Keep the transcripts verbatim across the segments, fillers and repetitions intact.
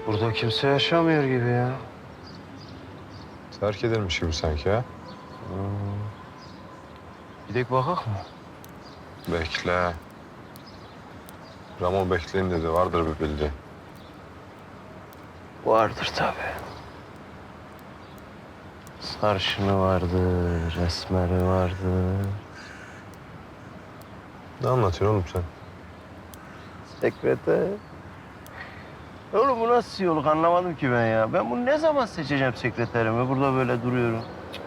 Burada kimse yaşamıyor gibi ya. Terk edilmiş gibi sanki ha. Gidek bakak mı? Bekle. Ramo bekleyin dedi. Vardır bir bildiği. Vardır tabii. Sarışını vardır, esmeri vardır. Ne anlatıyorsun oğlum sen? Sekreter. Oğlum bu nasıl yoluk anlamadım ki ben ya. Ben bunu ne zaman seçeceğim sekreterimi? Burada böyle duruyorum.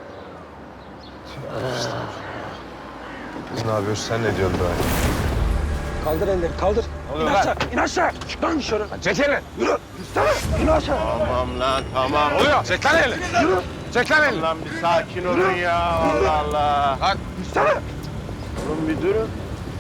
Biz ne yapıyoruz? Sen ne diyorsun daha? Kaldır elleri, kaldır. İn aşağı, in aşağı. Çık lan dışarı. Çek elini. Yürü. Yürü. İn aşağı. Tamam lan tamam. Oluyor. Çek lan elini. Yürü. Çek lan elini. Lan bir sakin olun ya. Allah Allah. Bak. Yürüsene. Oğlum bir durun.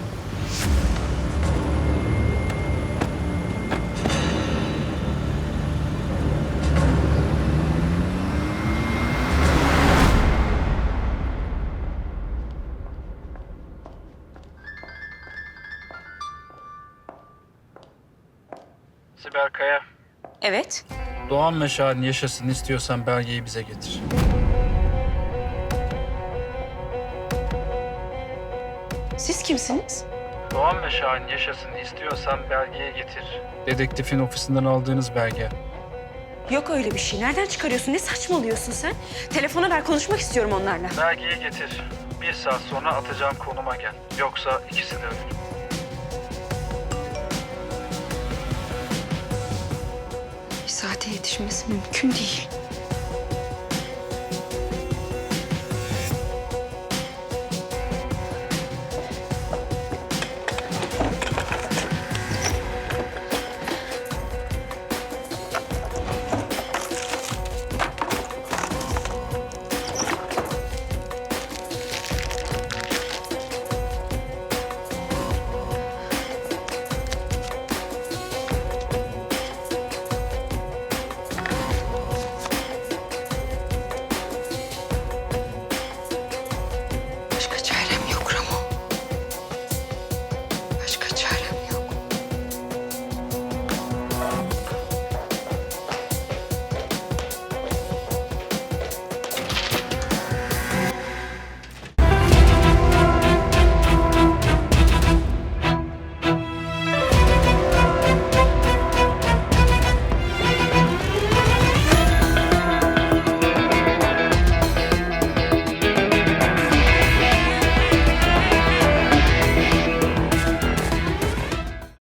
Sibel Kaya, Evet. Doğan meşalini yaşasın istiyorsan belgeyi bize getir. Siz kimsiniz? Doğan meşalini yaşasın istiyorsan belgeyi getir. Dedektifin ofisinden aldığınız belge. Yok öyle bir şey. Nereden çıkarıyorsun? Ne saçmalıyorsun sen? Telefona ver, konuşmak istiyorum onlarla. Belgeyi getir. Bir saat sonra atacağım konuma gel. Yoksa ikisi de ölür. Bir saate yetişmesi mümkün değil.